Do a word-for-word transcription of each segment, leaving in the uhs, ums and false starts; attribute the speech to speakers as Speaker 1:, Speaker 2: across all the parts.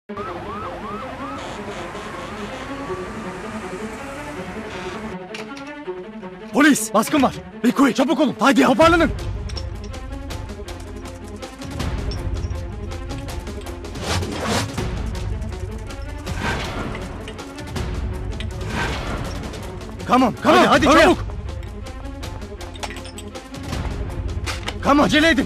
Speaker 1: Polis! Baskın var! Bekuy çabuk olun! Haydi toparlanın! Come on, come on, hadi, hadi çabuk! Come on, acele edin!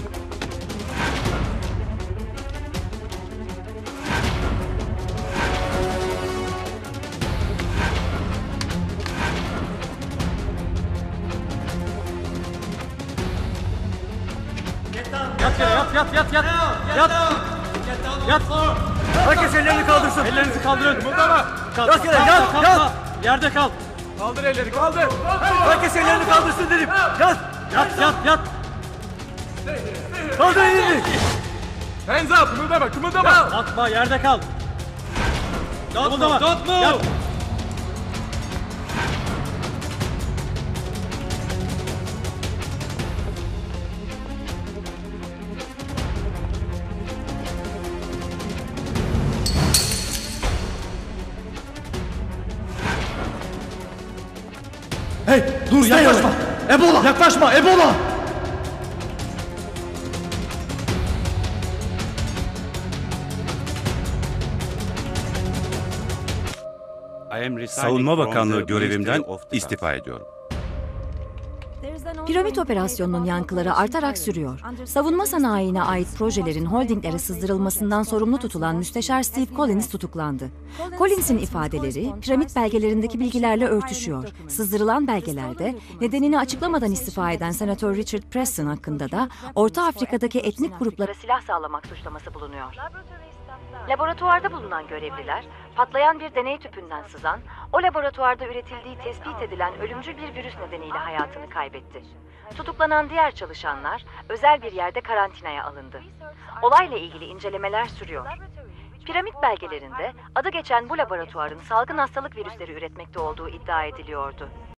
Speaker 2: Yat yere, yat, yat, yat, yat, yat, yat.
Speaker 1: Herkes ellerini kaldırsın!
Speaker 2: Ellerinizi kaldırın.
Speaker 1: Kımıldama!
Speaker 2: Kalk,
Speaker 1: Yat yere,
Speaker 2: kalk,
Speaker 1: yat,
Speaker 2: kalk,
Speaker 1: yat!
Speaker 2: kalk. Yerde kal.
Speaker 1: Kaldır elleri, kaldır! Herkes ellerini kaldırsın dedim! Yat!
Speaker 2: Yat, yat, yat.
Speaker 1: Kaldır ellerini!
Speaker 3: Hands up! Kımıldama, kımıldama!
Speaker 2: Atma, yerde kal.
Speaker 3: Don't move, don't move!
Speaker 2: Yat.
Speaker 1: Hey, dur yaklaşma! Ebola! Yaklaşma, Ebola!
Speaker 4: Savunma Bakanlığı görevimden istifa ediyorum.
Speaker 5: Piramit operasyonunun yankıları artarak sürüyor. Savunma sanayine ait projelerin holdinglere sızdırılmasından sorumlu tutulan Müsteşar Steve Collins tutuklandı. Collins'in ifadeleri piramit belgelerindeki bilgilerle örtüşüyor. Sızdırılan belgelerde nedenini açıklamadan istifa eden Senatör Richard Preston hakkında da Orta Afrika'daki etnik gruplara silah sağlamak suçlaması bulunuyor. Laboratuvarda bulunan görevliler, patlayan bir deney tüpünden sızan, o laboratuvarda üretildiği tespit edilen ölümcül bir virüs nedeniyle hayatını kaybetti. Tutuklanan diğer çalışanlar özel bir yerde karantinaya alındı. Olayla ilgili incelemeler sürüyor. Piramit belgelerinde adı geçen bu laboratuvarın salgın hastalık virüsleri üretmekte olduğu iddia ediliyordu.